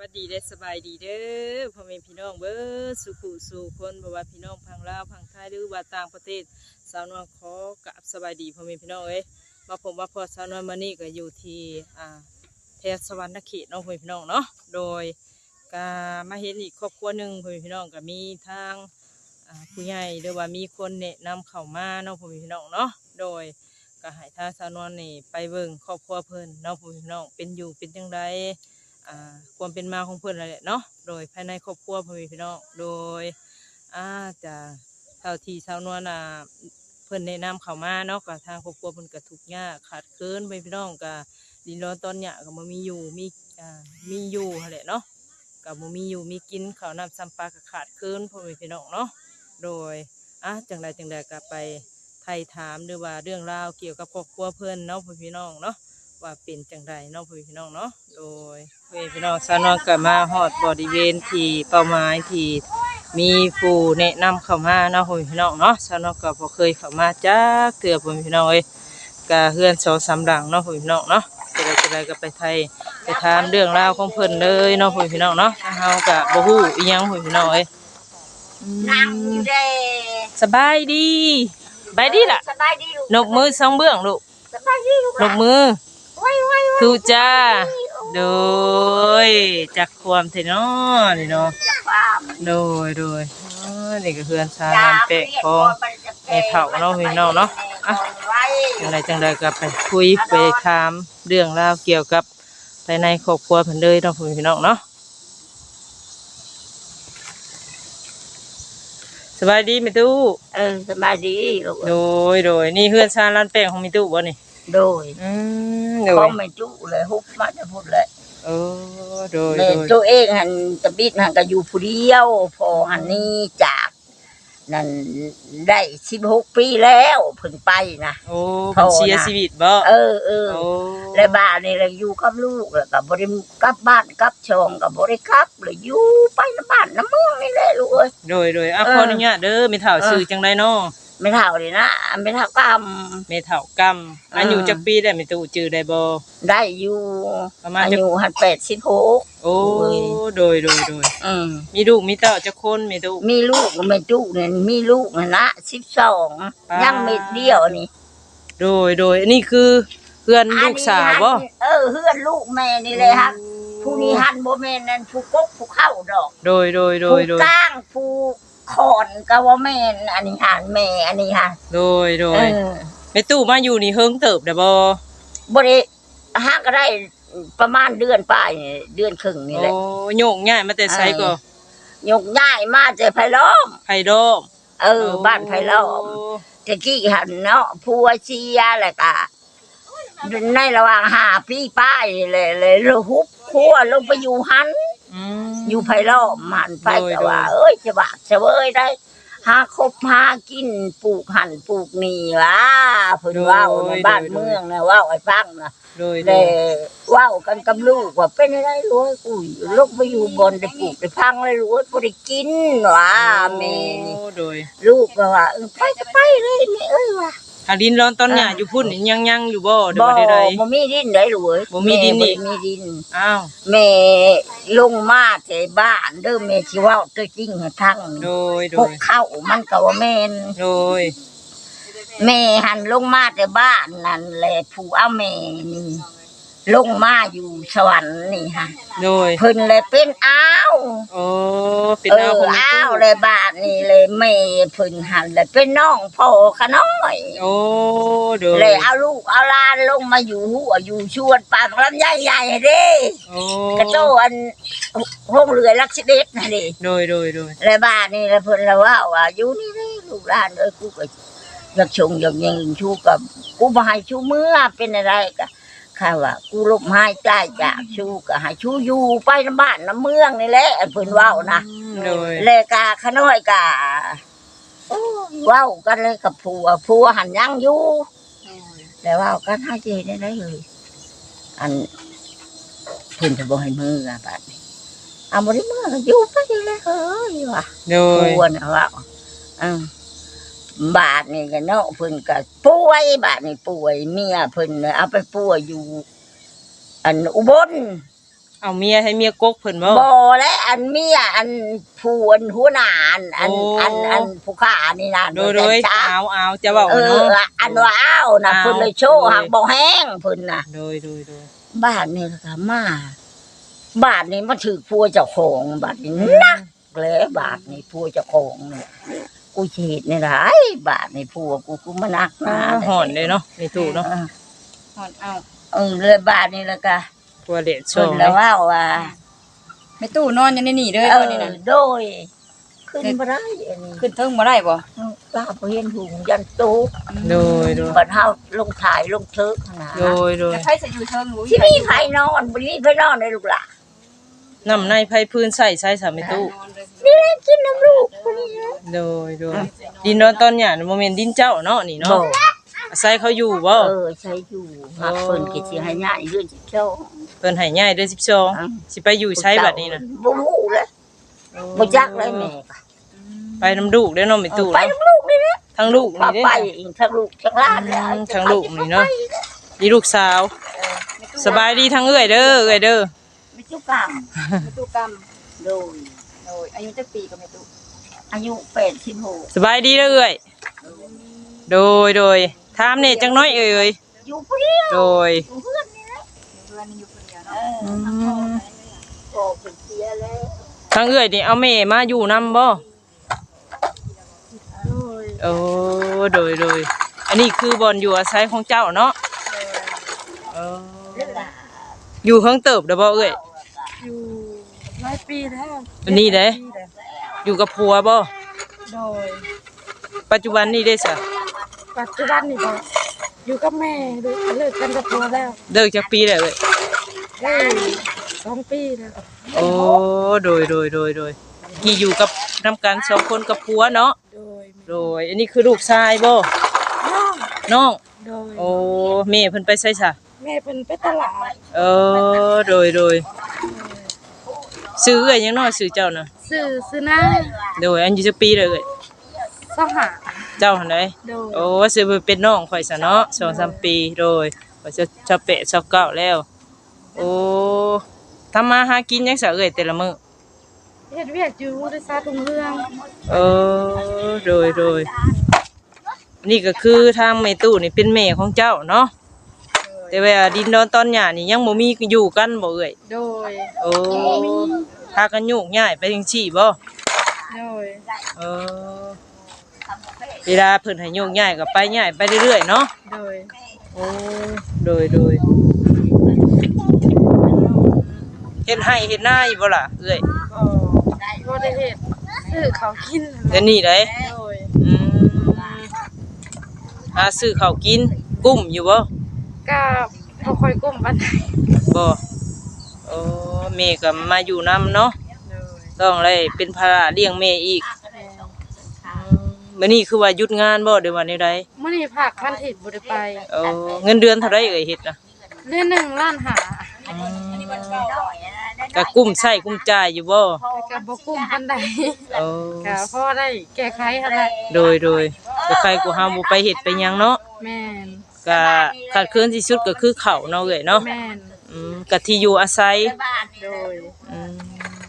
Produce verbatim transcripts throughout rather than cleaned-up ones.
สดีได้สบายดีเด้อพ่อแม่พี่น้องเบิดสุขุสู่คนบ่ว่าพี่น้องพังลาวพังไทยหรือว่าต่างประเทศสาวนวลขอกราบสบายดีพ่อแม่พี่น้องเอ้ยมาผมว่าพอสาวนวลมานี่ก็อยู่ที่อ่าแถวสวรรณเขตน้องพ่อแม่พี่น้องเนาะโดยก็มาเห็นอีกครอบครัวหนึ่งพ่อแม่พี่น้องก็มีทางอ่าผู้ใหญ่หรือว่ามีคนแนะนำเข้ามาน้องพ่อแม่พี่น้องเนาะโดยก็ให้ทางสาวนวลนี่ไปเบิ่งครอบครัวเพิ่นน้องพ่อแม่พี่น้องเป็นอยู่เป็นจังไดอ่าความเป็นมาของเพื่อนอะไรเนาะโดยภายในครอบครัวพ่อแม่พี่น้องโดยอาจะเท่าที่ชาวนวลอ่ะเพื่อนแนะนำเข้ามาเนาะกับทางครอบครัวเพื่อนก็ทุกข์ยากขาดเคินไปพี่น้องกับดินร้อนตอนเนี้ยก็บ่มีอยู่มีอ่ามีอยู่หั่นแหละเนาะกับบ่มีอยู่มีกินข้าวน้ำซ้ำปลาก็ขาดเคินพ่อแม่พี่น้องเนาะโดยอ่ะจังใดจังใดก็ไปไถ่ถามหรือว่าเรื่องราวเกี่ยวกับครอบครัวเพื่อนเนาะพ่อพี่น้องเนาะว่าเป็นจังใดเนาะพ่อพี่น้องเนาะโดยพ่อพี่น้องสาวนวลก็มาฮอดบริเวณที่เป้าหมายที่มีผู้แนะนำเข้ามาเนาะพ่อพี่น้องเนาะสาวนวลก็บ่เคยเข้ามาจักเทื่อพ่อพี่น้องเอ้ยก็เฮือนสองสามหลังเนาะพ่อพี่น้องเนาะจะได้จะได้ก็ไปไทยไปถามเรื่องราวของเพิ่นเลยเนาะพ่อพี่น้องเนาะทางเฮาก็บ่ฮู้อีหยังพ่อพี่น้องเอ้ยนั่งอยู่เด้สบายดีสบายดีล่ะสบายดีลูกนกมือสองเบื้องลูกสบายดีลูกนกมือทูจ้าโดยจากความเทนอนี่เนาะโดยโดยนี่ก็เพื่อนชาลานเปะของไอ้เถ่าเนาะพี่น้องเนาะอ่ะจังไรจังไรก็ไปคุยไปถามเรื่องราวเกี่ยวกับภายในครอบครัวเพิ่นเลยเนาะพี่น้องเนาะสบายดีมิตู้เออสบายดีลูกโดยโดยนี่เพื่อนชาลานเปะของมิตู้บ่นี่โดยอืมเขาไม่จุเลยฮุบมาจะพูดเลยเออโดยโดยตัวเองหันตะบิดหันก็อยู่ผู้เดียวพอหันนี่จากนั่นได้สิบหกปีแล้วเพิ่งไปนะโอ้เพิ่นเสียชีวิตบ่เออเออแล้วบ้านนี่เราอยู่กับลูกแล้วก็บ่ได้กลับบ้านกลับช่องก็บ่ได้กลับเลยอยู่ไปน้ำบ้านน้ำเมืองนี่แหละลูกเอ้ยโดยโดยอ่ะขออนุญาตเด้อแม่เฒ่าชื่อจังได๋เนาะไม่เท่าเลยนะไม่เท่ากำไม่เท่ากำอายุจักปีได้ไม่ตู้จื้อได้บ่ได้อยู่ประมาณอายุหันแปดสิบหกโอ้โดยโดยโดยอืมมีลูกมีเต้าจักคนไม่ตู้มีลูกไม่ตู้เนี่ยมีลูกนะสิบสองยังเม็ดเดียวนี่โดยโดยอันนี้คือเพื่อนลูกสาวบ่เออเพื่อนลูกแม่นี่เลยครับผู้นี้หันบ่แม่นนั่นผู้กกผู้เข้าดอกโดยโดยโดยโดยผู้ก้างผู้ขอนก็ว่าแม่นอันนี้หันแม่อันนี้ค่ะโดยโดยแม่ตู้มาอยู่นี่เฮิงเติบได้บ่บ่ได้ฮักก็ได้ประมาณเดือนปลายเดือนครึ่งนี่แหละโอ้โยกง่ายมาแต่ไสก็โยกง่ายมาแต่ไผล้อมไผล้อมเออบ้านไผล้อมแต่กี้หันเนาะผัวเชียแหละก็ในระหว่างหาพี่ป้ายเลยเลยระหุบพัวลงไปอยู่หันอยู่ไผล้อมหันไปแต่ว่าเอ้ยจะบากจะเว้ยได้หาคบหากินปลูกหันปลูกนี่ว่าเพิ่นว่าในบ้านเมืองนะว่าไอ้ฟังนะแต่ว่ากันกับลูกว่าเป็นอะไรรู้กูลูกไปอยู่บนได้ปลูกได้พังเลยรู้บ่ได้กินว่าแม่ลูกก็ว่าเออไปก็ไปเลยแม่เอ้ยว่าถ้าดินร้อนตอนเนี้ยอยู่พุ่นยังยังอยู่บ่เดี๋ยวใดๆบ่มีดินได้รู้เอ้ยบ่มีดินนี่มีดินอ้าวแม่ลงมาแต่บ้านเด้อแม่สิเว้าตัวจริงให้ทั้งโดยโดยเข้ามันก็ว่าแม่นโดยแม่หันลงมาแต่บ้านนั่นแหละผู้เอาแม่นี่ลงมาอยู่สวรรค์นี่ฮะโดยเพิ่นเลยเป็นอ้าวโอ้เป็นอ้าวอ้าวเลยบ้านนี่เลยแม่เพิ่นหันเลยเป็นน้องพ่อขน้อยโอ้โดยเลยเอาลูกเอาหลานลงมาอยู่หัวอยู่ชวนปากลำใหญ่ๆเด้โอ้กระโจนห้องเรือลักษเด็ดน่ะดิโดยโดยโดยเลยบ้านนี่แล้วเพิ่นละว่าว่าอยู่นี่เด้ลูกหลานเอ้ยกูก็อยากชงอยากยิงชูกับกูบ่ให้ชูเมื่อเป็นอะไรก็ข้าว่ากูลบหายใจจากชูก็ให้ชูอยู่ไปน้ำบ้านน้ำเมืองนี่แหละเพิ่นเว้านะเลยกาขน้อยกาเว้ากันเลยกับผัวผัวหันยังอยู่แต่ว่ากันให้เจได้ได้เลยอันเพิ่นจะบ่ให้มืออ่ะบัดนี้เอาบ่ได้มืออยู่ไปเลยเฮ้ยว่ะผัวน่ะว่าอือบาทนี่ก็เนาะเพิ่นก็ป่วยบาทนี่ป่วยเมียเพิ่นเอาไปป่วยอยู่อันอุบลเอาเมียให้เมียกกเพิ่นบ่บ่และอันเมียอันผู้อันหัวหน้าอันอันโอ้อันอันผู้ข้านี่นะโดยโดยแต่ช้าเอาเอาจะเว้าเอเนาะออันว่าอ้าวนะอ้าวเพิ่นเลยโชว์โดยหักบ่แห้งเพิ่นน่ะโดยโดยโดยบ้านนี่ล่ะค่ะมาบ้านนี้มาถือผัวเจ้าของบ้านนี้นักเลยบ้านนี้ผัวเจ้าของนี่กูสิเฮ็ดนี่ล่ะไอ้บ้านนี้ผัวกูกูมานักหนาหอนเลยเนาะในตู้เนาะเออหอนเอาเออเลยบ้านนี้แล้วก็ตัวเด็ดช่เพิ่อน งแล้วว่าว่าไม่ตู้นอนอยู่ในนี่เด้อเอตออนนี้นะโดยขึ้นบ่ได้อันนี้ขึ้นเทิงบ่ได้บ่ป้าบ่เห็นหุงยันโตะโดยโดยบัดเฮาลงถ่ายลงเทิกขนาดโดยโดยแต่ใครจะอยู่เทิงรู้ที่มีไผนอนบ่มีไผนอนได้ลูกหล่ะน้ำในไผ่พื้นใส่ใส่สามในตู้นี่แหละกินน้ำลูกคนนี้นะโดยโดยดินนอนตอนหยาโมเมนดินเจ้าเนาะนี่เนาะบ่ใส่เขาอยู่บ่เออใช้อยู่หักเพิ่นก็สิให้ง่ายเรื่องสิเจ้าเพิ่นให้ง่ายเดือนสิบสองอืมสิไปอยู่ใช้บัดนี้นะบ่รู้เลยบ่จักเลยแม่ก็ไปน้ำลูกได้อเนาะไม่ตู้ไปน้ำลูกนี่นะทั้งลูกป้านี่ไปเด้ออีกทั้งลูกทั้งหลานเลยอืมทั้งลูกนี่เนาะ นี่ลูกสาว สบายดีทั้งเอื้อยเด้อเอื้อยเด้อมีจุกกรรมไม่ตู้กรรมโดยโดยอายุจักปีก็ไม่ตู้อายุแปดสิบหกสบายดีเด้อเอื้อยโดยโดยถามเนี่ยจังน้อยเอ่ยอยู่ผู้เดียวโดยอยู่เพื่อนนี่นะเพื่อนอยู่คนเดียวเอเนาะออืมพ่อเพิ่นเสียแล้วทั้งเอื้อยนี่เอาแม่มาอยู่นำบ่โดยโอ้โดยโดยอันนี้คือบอนอยู่อาศัยของเจ้าเนาะเออเรื่องอะอยู่เฮิงเติบเด้อบ่เอ้ยอยู่หลายปีแล้วอันนี้เด้อยู่กับผัวบ่โดยปัจจุบันนี้ได้ซะปัจจุบันนี่บ่อยู่กับแม่เลิกกันกับผัวแล้วเลิกจักปีแล้วเอ้ยได้สองปีแล้วโอ้โดยโดยโดยโดยกี่อยู่กับนํกันสองคนกับผัวเนาะโดยโดยอันนี้คือลูกชายบ่น้องโดยโอ้แม่เพิ่นไปไสซะแม่เป็นไปตลาดเออโดยโดยซื้อเอ้ยยังน้อยซื้อเจ้าน่ะซื้อซื้อหน้าโดยอันอยู่จักปีแล้วเอ้ยสหาเจ้าหั่นใดโดยโอ้ซื้อไปเป็นน้องข่อยซะเนาะสองสามปีโดยข่อยจะจะเปะจะเก้าแล้ว โอ้ทำมาหากินยังซะเอ้ยแต่ละมื้อเฮ็ดเวียกอยู่ได้ซาทุงเรื่องเออโดยโดยนี่ก็คือทางแม่ตู้นี่เป็นแม่ของเจ้าเนาะแต่ว่าดินดอนตอนหญ้านี่ยังบ่มีอยู่กันบ่เอ้ยโดยโอ้พากันโยกย้ายไปจังซี่บ่โดยเออเวลาเพิ่นให้โยกย้ายก็ไปย้ายไปเรื่อยๆเนาะโดยโอ้โดยโดยเฮ็ดให้เฮ็ดหน้าอยู่บ่ล่ะเอ้ยก็บ่ได้เฮ็ดซื้อเขาวกินเดี๋ยวนี้ได้โดยอืมหาซื้อข้าวกินกุ้มอยู่บ่ก็บ่ค่อยกุ้มปานใดบ่โอ้แม่ก็มาอยู่นํเนาะโดยต้องได้เป็นภาระเลี้ยงแม่อีกมื้อนี้คือว่าหยุดงานบ่เดี๋ยววันนี้ได้มื้อนี้ภาคพันทิตบ่ได้ไปโอ้เงินเดือนเท่าไรเอ่ยเฮ็ดน่ะเดือนหนึ่งล้านหาก็กุ้มใช้กุ้มจ่ายอยู่บ่แต่ก็บ่กุ้มปานใดโอ้ก็พอได้แก้ไขหั่นแหละโดยโดยแต่ใครกูเฮาบ่ไปเฮ็ดไปหยังเนาะแม่นก็ขาดเคินที่สุดก็คือข้าวเนาะเอ้ยเนาะแม่นอืมก็ที่อยู่อาศัยโดยอืม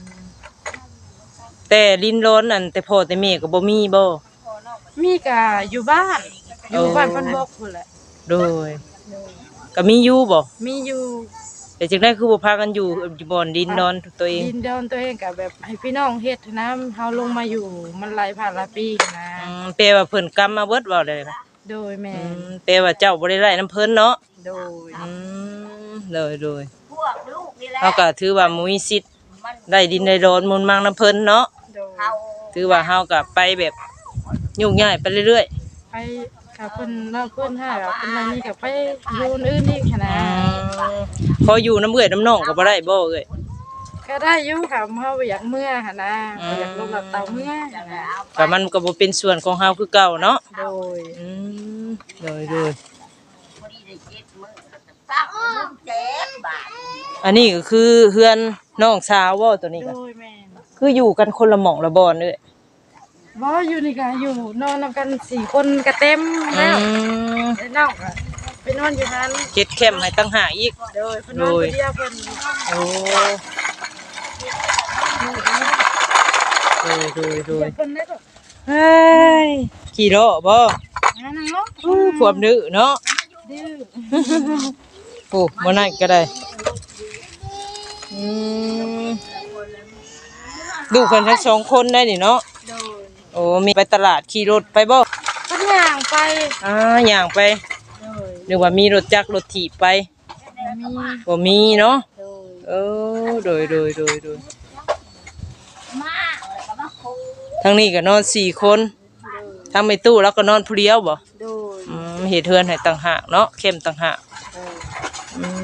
แต่ลิ้นร้อนนั่นแต่พ่อแต่แม่ก็บ่มีบ่มีก็อยู่บ้าน อยู่บ้านเพิ่นบอกพุ่นแหละโดยก็มีอยู่บ่มีอยู่แต่จังได๋คือบ่พากันอยู่อยู่บ่อนดินนอนตัวเองดินดอนตัวเองก็แบบให้พี่น้องเฮ็ดนะเฮาลงมาอยู่มันหลายผ่านหลายปีนะอืมแปลว่าเพิ่นกรรมมาเบิดเว้าได้ค่ะโดยแม่อืมแปลว่าเจ้าบ่ได้ไล่น้ำเพิ่นเนาะโดยอืมโดยโดยพวกลูกนี่แหละเฮาก็ถือว่าบ่มีสิทธิ์ได้ดินได้ดอนมูลมังน้ำเพิ่นเนาะโดยเขาถือว่าเฮาก็ไปแบบยุ่งยากไปเรื่อยไปกับเพิ่นเราเพิ่นให้แบบเพิ่นมานี่ก็ไปอยู่อื่นอีกหั้นๆนะอืมพออยู่น้ำเอื้อยน้ำน้องก็บ่ได้บ่เอ้ยก็ได้อยู่ค่ะเฮาบ่อยากเมื่อหั่นนะบ่อยากลงหลับเตาเมื่อหั่นนะก็มันก็บ่เป็นส่วนของเฮาคือเก่าเนาะโดยอืมโดยโดยพอดีได้เจ็ดมื้อตั้งมื้อเจ็ดบาทอันนี้ก็คือเฮือนน้องสาวบ่ตัวนี้โดก็ยแม่นคืออยู่กันคนละหม่องละบ่อนเอ้ยบ่อยู่นี่ก็อยู่นอนนำกันสี่คนก็เต็มอืแล้วมไอ้น้องก็ไปนอนอยู่นั้นเฮ็ดแคมป์ให้ตั้งหากอีกโดยเพิ่นนอนคนเดียวเพิ่นโอ้โดยโดยโดยเพิ่นได้ก็เฮ้ยขี่โลบ่นั่นเนาะอู้ความดื้อเนาะดื้อโอ้บ่นั่นก็ได้อืมดูกันทั้งสองคนได้นี่เนาะโดยโอ้มีไปตลาดขี่รถไปบ่เพิ่นย่างไปอ่าย่างไปโดยนึกว่ามีรถจักรรถถีบไปมีบ่มีเนาะโดยเออโดยโดยโดยโดยมาเลยก็มาคุยทั้งนี้ก็นอนสี่คนทั้งไม่ตู้แล้วก็นอนผู้เดียวบ่โดยอืมเฮ็ดเทือนให้ต่างหากเนาะเข้มต่างหากอืม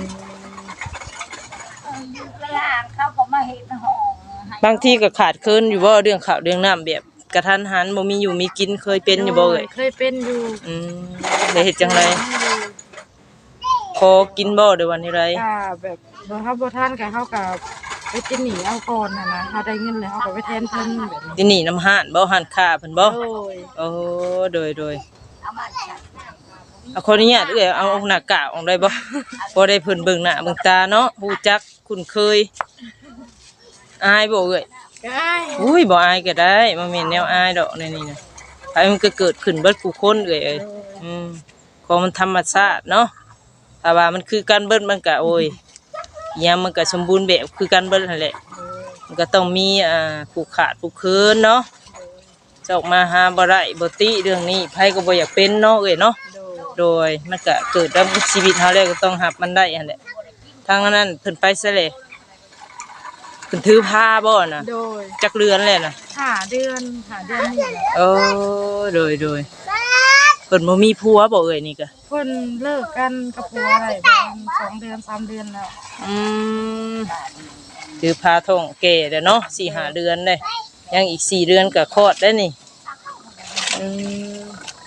กลางเขาก็มาเห็นห้องให้บางทีก็ขาดเคินอยู่บ่เรื่องข้าวเรื่องน้ำแบบกระทันหันบ่มีอยู่มีกินเคยเป็นอยู่บ่เอ่ยเคยเป็นอยู่อืมได้เฮ็ดจังไดขอกินบ่เดี๋ยววันนี้ไรอ่าแบบบ่เฮาบ่ทันก็เฮาก็ไปกินหนีเอาก่อนน่ะนะเฮาได้เงินแล้วเฮาก็ไปแทนเพิ่นแบบนี้ที่นี่น้ำห้านบ่ห้านค้าเพิ่นบ่โดยโอ้โดยโดยเอามาจัดเอาขออนุญาตเอ้ยเอาหน้ากากออกได้บ่บ่ได้เพิ่นเบิ่งหน้าเบิ่งตาเนาะฮู้จักคุ้นเคยอายบ่เอ้ยก็อ้ายอุ้ยบ่อายก็ได้บ่แม่นแนวอายดอกในนี่นะไผมันก็เกิดขึ้นเบิดผู้คนเอ้ยเอ้ยอืมของมันธรรมชาติเนาะถ้าว่ามันคือการเบิดมันก็โอ้ยอิหยังมันก็สมบูรณ์แบบคือการเบิดนั่นแหละมันก็ต้องมีอ่าผู้ขาดผู้เคินเนาะจะออกมาหาบ่ได้บ่ติเรื่องนี้ไผก็บ่อยากเป็นเนาะเอ้ยเนาะโดยโดยมันก็เกิดกับชีวิตเฮาแล้วก็ต้องรับมันได้หั่นแหละทางนั้นเพิ่นไปซะเลยเพิ่นถือผ้าบ่น่ะโดยจักเรือนแล้วน่ะหาเดือนหาเดือนนี่แหละโอ้โดยโดยเพิ่นบ่มีผัวบ่เอ่ยนี่ก็เพิ่นเลิกกันกับผัวอะไรประมาณสองเดือนสามเดือนแล้วอืมถือพาท้องแก่แล้วเนาะสี่ห้าเดือนได้ยังอีกสี่เดือนก็คลอดได้นี่อืม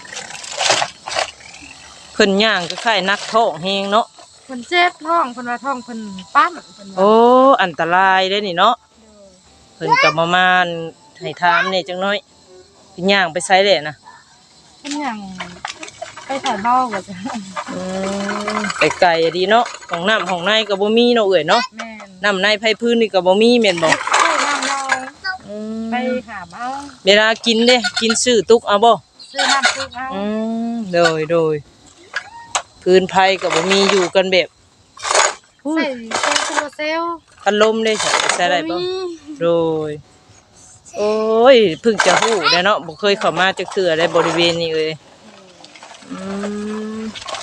เพิ่นย่างก็คล้ายนักท้องแฮงเนาะเพิ่นเจ็บท้องเพิ่นว่าท้องเพิ่นปั้นเพิ่นว่าโอ้อันตรายได้นี่เนาะเพิ่นก็ประมาณให้ถามนี่จังน้อยเพิ่นย่างไปไสแหละนะเพิ่นหยังไปถ่ายเบ้าก็จะอืมไปไกลอะดีเนาะของน้ำของในก็บ่มีเนาะเอ่ยเนาะแม่นน้ำในไผพื้นนี่ก็บ่มีแม่นบ่ไปน้ำเราอืมไปหาเอาเวลากินเด้กินซื้อตุกเอาบ่ซื้อน้ำซื้อเอาอืมโดยโดยพื้นไผก็บ่มีอยู่กันแบบใส่เซลล์โซลาเซลล์พัดลมได้ใช่ใช้ได้บ่มีโดยโอ้ยเพิ่งจะฮู้ได้เนาะบ่เคยเข้ามาจักเทื่อได้บริเวณนี้เลยอืม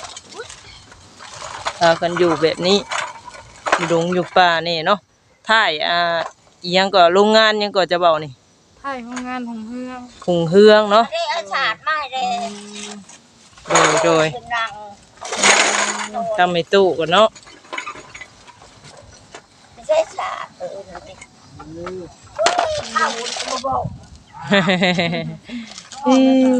พากันอยู่แบบนี้อยู่ดงอยู่ป่านี่เนาะท้ายอ่าอีหยังก็โรงงานหยังก็จะเว้านี่ถ่ายโรงงานของเฮืองคุงเฮืองเนาะได้เอาศาสตร์มาให้เลยโดยโดยเป็นนางทำให้ตู้กันเนาะไม่ใช่ศาสตร์เออนั่นสิเอาก็บ่บอกอืม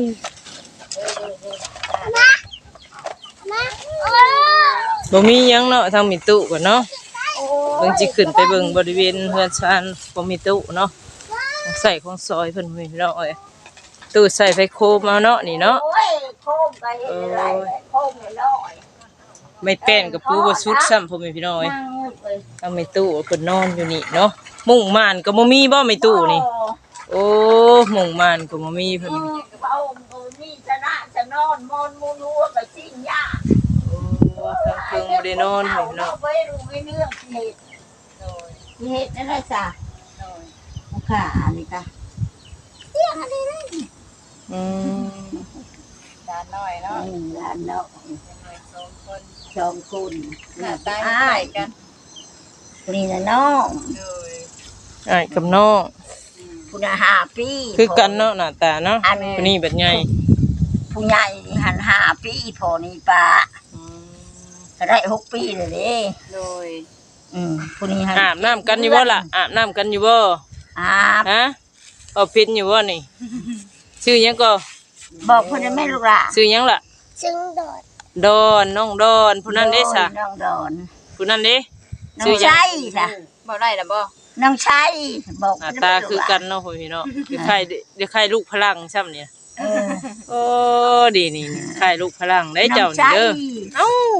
บ่มีหยังเนาะทางมีตู้กันเนาะเบิ่งสิขึ้นไปเบิ่งบริเวณเฮือนชานบ่มีตู้เนาะของใส่ของซอยเพิ่นมีเนาะเอ้ยตู้ใส่ไฟโคมเอาเนาะนี่เนาะโอ้ยโคมก็เห็นอะไรโคมให้ลอยไม่แป้นกับปูบ่สุดซ้ำพ่อแม่พี่น้องเอ้ยนั่งมืดเลยทางมีตู้เพิ่นนอนอยู่นี่เนาะมุ้งม่านก็บ่มีบ่มีตู้นี่โอ้มุ้งม่านก็บ่มีเพิ่นเออเอาเอานี่จะน่าจะนอนมอนมูนัวกับชิ้นยาโอ้ทางเพิ่งบ่ได้นอนพ่อแม่พี่น้องเอาไว้รู้ไว้เรื่องเหตุเหตุนั่นแหละจ้ะเอาค่ะอันนี้ค่ะเตี้ยอันนี้เลยอืมด้านน้อยเนาะอืมหลานเนาะสองคนสองคนหน้าตาอ้าใหม่ยกันนี่นะน้องโดยอ้ายกับน้องผู้น่ะห้าปีคือกันเนาะหน้าตาเนาะอันผู้นี้แบบใหญ่ผู้ใหญ่หันห้าปีพอนี่ป้าอืมก็ได้หกปีเลยเด้โดยอืมผู้นี้หันอาบน้ำกันอยู่บ่ล่ะอาบน้ำกันอยู่บ่อาบฮะเอาพินอยู่บ่นี่ชื่อหยังก็บอกผู้นั้นแม่ลูกหล่ะชื่อหยังล่ะซึ่งโดดดอนน้องดอนผู้นั้นเด้ซะน้องดอนผู้นั้นเด้น้อชื่อง หยังชัยจ้ะบ่ได้ล่ะบ่น้องชัยบอกหน้าตาคือกันเนาะพ่อพี่เนาะเดี๋ยวใครเดี๋ยวใครลูกพลังซ้ำเนี่ยเออโอ้ดีนี่นี่ใครลูกพลังได้เจ้าน้องนี่ชัยเด้อเอ้า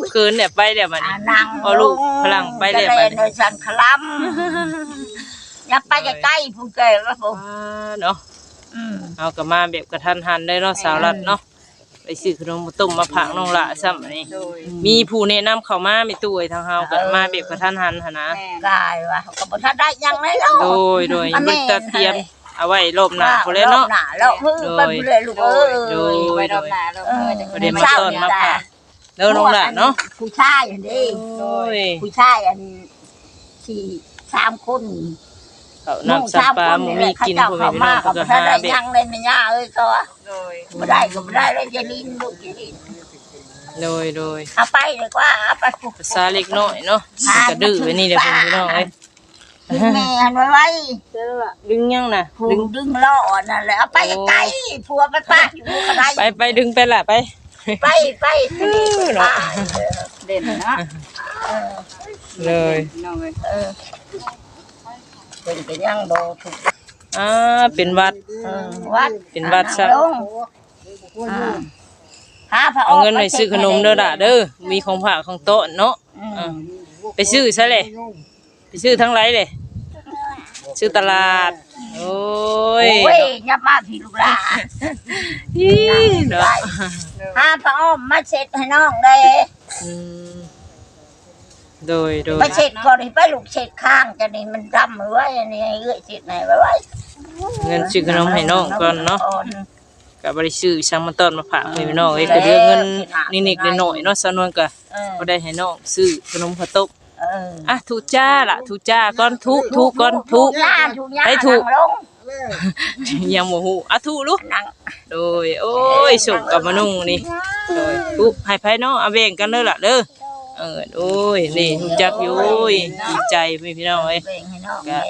เกินเนี่ยไปเดี๋ยวมันอ่านั่งเอาลูกพลังไปเดี๋ยวจะมัเล่นนในสันคลัมอย่าไปใกล้ๆผู้แก่แล้วผมเนาะอืมเอากลับมาแบบกระทันหันได้เนาะสาวรัดเนาะไปซื้อขนมมาต้มมาผักน้องละซ้ำอันนี้โดยมีผู้แนะนำเข้ามามีตู้ไอ้ทางเฮาก็มาแบบกระทันหันหั่นนะแม่กายว่ะก็บ่ทันได้ยังเลยเนาะโดยโดยบริษัทเตรียมเอาไว้รอบหน้าพุ่นแหล้เนาะรอบหน้าแล้วเพิ่งไปพุ่นเลยลูกเอ้ยโดยไว้รอบหน้าเราเออเมื่อจะประเด็นมาต้อนมาผักเด้อน้องละเนาะผู้ชายอันนี้โอ้ยผู้ชายอันที่สามคนเขาน้ำสับปลาหมูมีกินเขาพ่อเจ้าแม่เขาพี่น้มาองก็ก็บ่ทันหาได้แบบยังเลยแม่ย่าเอ้ยก็ว่าโดยบ่ได้ก็บ่ได้เลยจะลินลูกจะลินโดยโดยเอาไปเลยกว่าเอาไปภาษาเล็กน้อยเนาะมันก็ดื้อไว้นี่เด้อพ่อแม่พี่น้องเอ้ยดึงแม่หันไว้ไว้ดึงยังน่ะผูดึงดึงล่อนั่นแหละเอาไปไกลๆผัวมันป้าอยู่กระไรไปไปดึงไปละไปไปไปไปเนาะเด่นนะเลยน้องเลยเออเป็นไปยังโดถูกอ่าเป็นวัดเออวัดเป็นวัดซะลงอ่าหาพระเอาเงินไปซื้อขนมเด้อล่ะเด้อมีของฝากของโต๊ะเนาะอืมอ่าไปซื้อซะเลยไปซื้อทั้งไรเลยซื้อตลาดโอ้ยโอ้ยยับมาพี่ลูกหลานอีเนาะหาพระอ้อมมาเช็ดให้น้องเลยอืมโดยโดยไปเช็ดก่อนให้ไปลูกเช็ดข้างจะนี่มันดำไว้อันนี้เอื้อยเช็ดไหนไว้ไว้เงินซื้อขนมให้น้องก่อนเนาะก็บ่ได้ซื้อช่างมาต้อนมาฝากให้น้องเอ้ยก็เหลือเงินนิดๆหน่อยๆเนาะสนวนก็เออบ่ได้ให้น้องซื้อขนมข้าวต้มเอออ่ะทุจ้าล่ะทุจ้าก่อนทุทุก่อนทุย่าถูกย่าให้ถูกนั่งลงยังบ่ฮู้อ่ะทุลูกนั่งโดยโอ้ยสุกกับมะนุ่งนี่โดยทุให้ไผเนาะเอาแบ่งกันเด้อล่ะเด้อเออโอ้ยนี่รู้จักอยู่โอ้ยดีใจพี่น้องเอ้ยเบ่งให้น้องก็แม่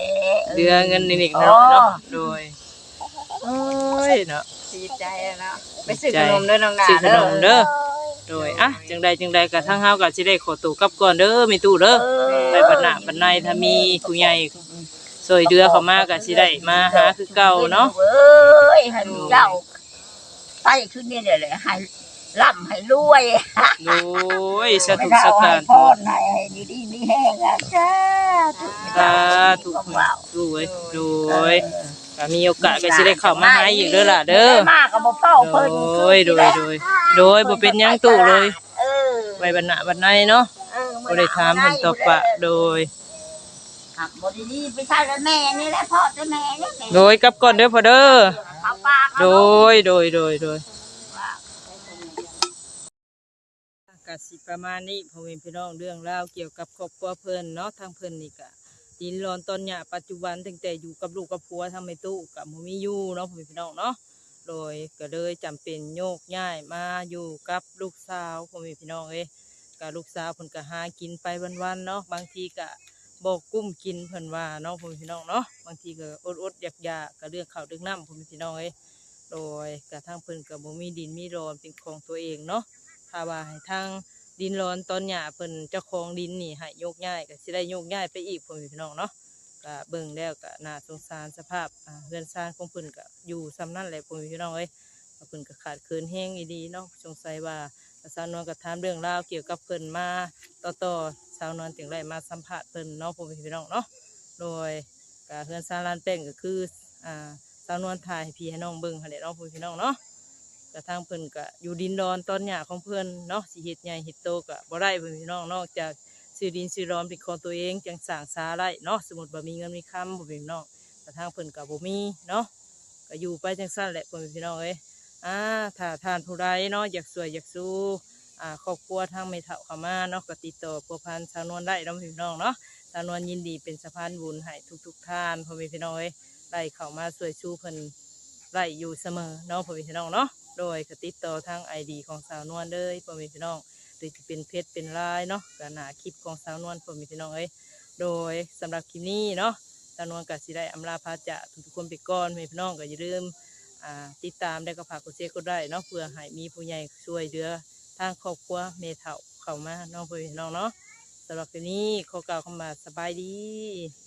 เหลือเงินนิดๆหน่อยๆเนาะโดยโอ้ยเนาะดีใจเนาะไปซื้อขนมเด้อน้องนาซื้อขเด้นอมเด้อโดยอ่ะจังใดจังใดก็ทางเฮาก็สิได้ขอตัวกลับก่อนเด้อมีตู้เด้อไปบรรณะบรรณัยถ้ามีผู้ใหญ่ซอยเดือเข้ามาก็สิได้มาหาคือเก่าเนาะเอ้ยให้เจ้าไปขึ้นนี่เดี๋ยวเลยให้ร่ำให้รวยโอ้ยสาไม่ธุได้สักเอาให้การพรให้ให้ดีดีมีแห้งอ่ะจ้าถูกสาธุดูเว้ยดูเว้ยก็มีโอกาสก็สิได้เข้ามาหาอีกเด้อล่ะเด้อมากกับบ่เฝ้าเพิ่นโดยโดยโดยโดยบ่เป็นหยังตู้เลยเออไว้บรรณะบรรณัยเนาะเออบ่ได้ถามเพิ่นตอบปะโดยครับบ่ดีๆไปใช่แล้วแม่นี่แหละพ่อจะแม่นี่แม่โดยกลับก่อนเด้อพ่อเด้อเขาปากโดยโดยโดยโดยกสิประมาณนี้พ่อแม่พี่น้องเรื่องราวเกี่ยวกับครอบครัวเพิ่นเนาะทางเพิ่นนี่ก็ดินร้อนตอนเนี้ยปัจจุบันตั้งแต่อยู่กับลูกกับผัวทางแม่ตู้กับบ่มีอยู่เนาะพ่อแม่พี่น้องเนาะโดยก็เลยจำเป็นโยกย้ายมาอยู่กับลูกสาวพ่อแม่พี่น้องเอ้ยก็ลูกสาวเพิ่นก็หากินไปวันๆเนาะบางทีก็บ่กุ้มกินเพิ่นว่าเนาะพ่อแม่พี่น้องเนาะบางทีก็อดๆอยากๆก็เรื่องข้าวเรื่องน้ำพ่อแม่พี่น้องเอ้ยโดยกระทั่งเพิ่นก็บ่มีดินมีร้อนเป็นของตัวเองเนาะถ้าว่าให้ทางดินร้อนตอนหญ้าเพิ่นเจ้าของดินนี่ให้โยกย้ายก็สิได้โยกย้ายไปอีกพ่อแม่พี่น้องเนาะก็เบิ่งแล้วก็น่าสงสารสภาพอ่าเรือนซ่านของเพิ่นก็อยู่ซ้ำนั่นแหละพ่อแม่พี่น้องเอ้ยเพิ่นก็ขาดเคินแห้งอีดีเนาะสงสัยว่าสาวนวลก็ถามเรื่องราวเกี่ยวกับเพิ่นมาต่อๆสาวนวลถึงได้มาสัมภาษณ์เพิ่นเนาะพ่อแม่พี่น้องเนาะโดยก็เรือนซ่านลานแป้งก็คืออ่าสาวนวลถ่ายให้พี่ให้น้องเบิ่งหั่นแหละเนาะพ่อแม่พี่น้องเนาะ กระทั่งเพิ่นก็อยู่ดินดอนตอนหญ้าของเพิ่นเนาะสิเฮ็ดใหญ่เฮ็ดโตก็บ่ได้เพิ่นพี่น้องนอกจากซื้อดินซื้อร้อนเป็นของตัวเองจังสร้างศาลาเนาะสมมุติว่ามีเงินมีคำบ่เป็นพี่น้องกระทั่งเพิ่นก็บ่มีเนาะก็อยู่ไปจังซั่นแหละเพิ่นพี่น้องเอ้ยอ่าถ้าท่านผู้ใดเนาะอยากสวยอยากสู้อ่าครอบครัวทางแม่เฒ่าเข้ามาเนาะก็ติดต่อพัวพันสาวนวลได้เนาะพี่น้องเนาะสาวนวลยินดีเป็นสะพานบุญให้ทุกๆท่านพ่อแม่พี่น้องเอ้ยได้เข้ามาช่วยสู้เพิ่นได้อยู่เสมอเนาะพ่อแม่พี่น้องเนาะโดยก็ติดต่อทางไอดีของสาวนวลเลยพ่อแม่พี่น้องหรือจะเป็นเพจเป็นไลน์เนาะก็หน้าคลิปของสาวนวลพ่อแม่พี่น้องเอ้ยโดยสำหรับคลิปนี้เนาะสาวนวลก็สิได้อำลาพาจากทุกๆคนไปก่อนพ่อแม่พี่น้องก็อย่าลืมอ่าติดตามได้ก็ฝากกดแชร์ก็ได้เนาะเพื่อให้มีผู้ใหญ่ช่วยเหลือทางครอบครัวเมเฒ่าเข้ามาเนาะพ่อแม่พี่น้องเนาะสำหรับคลิปนี้ขอกล่าวคำว่าสบายดี